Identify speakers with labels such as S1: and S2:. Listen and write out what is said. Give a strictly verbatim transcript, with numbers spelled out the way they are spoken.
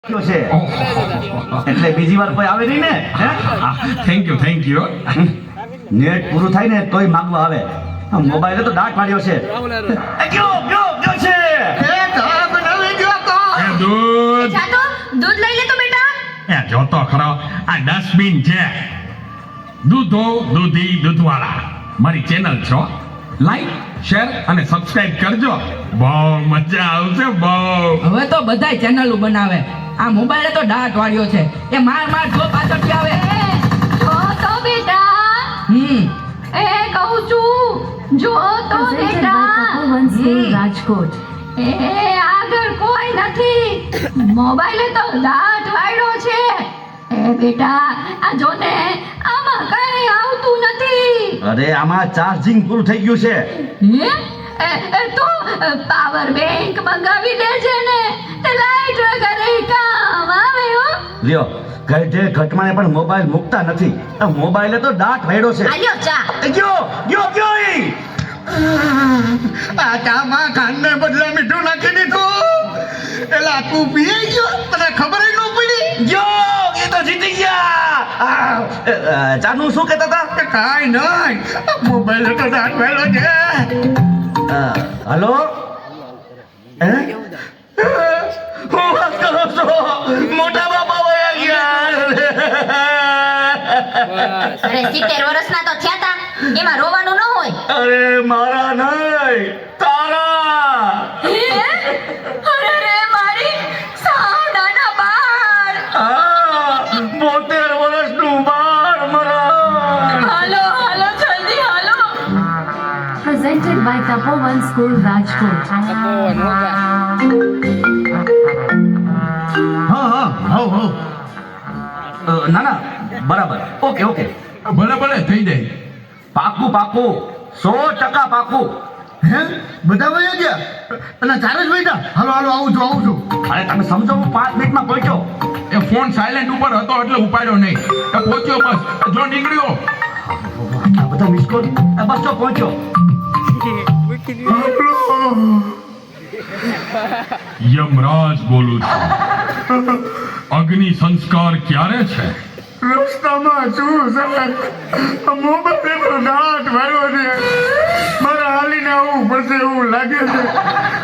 S1: છે એટલે બીજી વાર કોઈ આવે નહીં ને.
S2: Thank you thank you
S1: net પૂરું થાય ને તોય માંગવા આવે. મોબાઈલે તો દાટ પાડ્યો છે. એ ગયો ગયો ગયો છે.
S2: એ ચા બનાવી ગયો તો એ દૂધ
S3: જાતો દૂધ લઈ લે તો બેટા.
S2: એ જોતો ખરો આ ડસ્ટબિન છે. દૂધો દૂધી દૂધવાળા મારી ચેનલ છો. લાઈક શેર અને સબસ્ક્રાઇબ કરજો. બહુ મજા આવશે બહુ.
S4: હવે તો બધાય ચેનલો બનાવે. આ મોબાઈલે તો દાટ વાળ્યો છે. એ માર માર જો પાછળથી આવે.
S3: જો તો બેટા.
S4: હમ
S3: એ કહું છું જો તો બેટા.
S5: રાજકોટ
S3: એ આગળ કોઈ નથી. મોબાઈલે તો દાટ વાળ્યો છે. એ બેટા આ જો ને આમાં કઈ આવતું નથી.
S1: અરે આમાં ચાર્જિંગ પૂરું થઈ ગયું છે.
S3: હે એ એ તો પાવર બેંક મંગાવી દેજે ને. તે લાઈટ વગર કામ આવે હો.
S1: લ્યો ગઢે ઘટમાને પણ મોબાઈલ મૂકતા નથી. આ મોબાઈલે તો દાટ વાળ્યો છે.
S3: આલ્યો ચા.
S1: એ ગયો ગયો ગયો ઈ.
S2: આ ચામાં ખાંડને બદલે મીઠું નાખી દીધું. એલા તું પી ગયો તને ખબર ય ન પડી.
S1: ગયો એ તો જીતી ગયા. આ, અ, ચાનું શું કહેતા હતા?
S2: કે કાંઈ નહીં મોબાઈલ તો દાટ વાળ્યો છે.
S1: અ, હલો હે હું વાત કરો છો? મોટા બાપા વયા ગયા.
S3: અરે સિત્તેર વર્ષના તો થયા તા. એમાં રોવાનું ન હોય.
S1: અરે મારા નહીં તારા.
S3: અરે રે મારી સાવ નાના બાળ.
S1: હા બોતેર વર્ષનું બાળ મારા.
S3: હાલો હાલો જલ્દી હાલો.
S5: presented by Tapovan School Rajkot
S1: હા હા હો હો અ, ના ના બરાબર ઓકે ઓકે
S2: ભલે ભલે થઈ જાય.
S1: પાકું પાકું સો ટકા પાકું.
S2: હે બધા વયા ગયા અને ચારે જ બેઠા. હાલો હાલો આવું છું આવું છું.
S1: અરે તમે સમજો હું પાંચ મિનિટમાં પહોંચ્યો.
S2: એ ફોન સાયલેન્ટ ઉપર હતો એટલે ઉપાડ્યો નહીં. એ પહોંચ્યો બસ જો નીકળ્યો.
S1: આટલા બધા મિસ કોલ. બસ જો પહોંચ્યો.
S2: યમરાજ બોલું છું. અગ્નિ સંસ્કાર ક્યારે છે? રસ્તામાં છું સર. મોબાઈલ તો દાટ વાળ્યો છે. મારે હાલીને આવવું પડશે એવું લાગે છે.